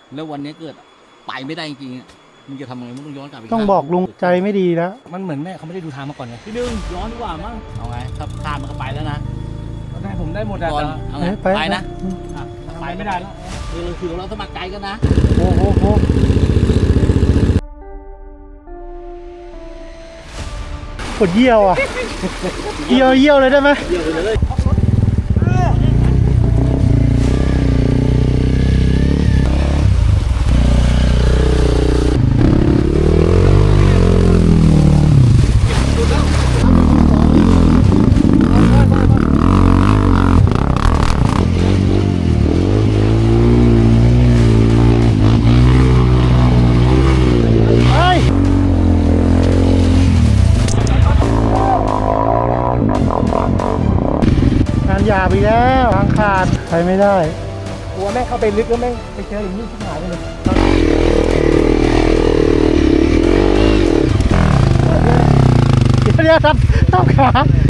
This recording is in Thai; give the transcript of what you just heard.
แล้ววันนี้เกิดไปไม่ได้จริงๆมึงจะทำไงมึงต้องย้อนกลับไปต้องบอกลุงใจไม่ดีแล้วมันเหมือนแม่เขาไม่ได้ดูทางมาก่อนไงพี่ดึงย้อนดีกว่ามั้งเอาไงถ้าพลาดมันก็ไปแล้วนะแม่ผมได้หมดอะก่อนเอาไงไปไปนะอืมอ่ะไปไม่ได้แล้วเราคือเราสมัครใจกันนะโอ้โหโหปวดเยี่ยวอ่ะ เยี่ยวเลยได้ไหมเดี๋ยวเลยไปงานหยาบอีกแล้วทางขาดไปไม่ได้กลัวแม่เข้าไปลึกแล้วแม่ไปเจออย่างนี้ชิบหายไปเลยเดี๋ยวทับขา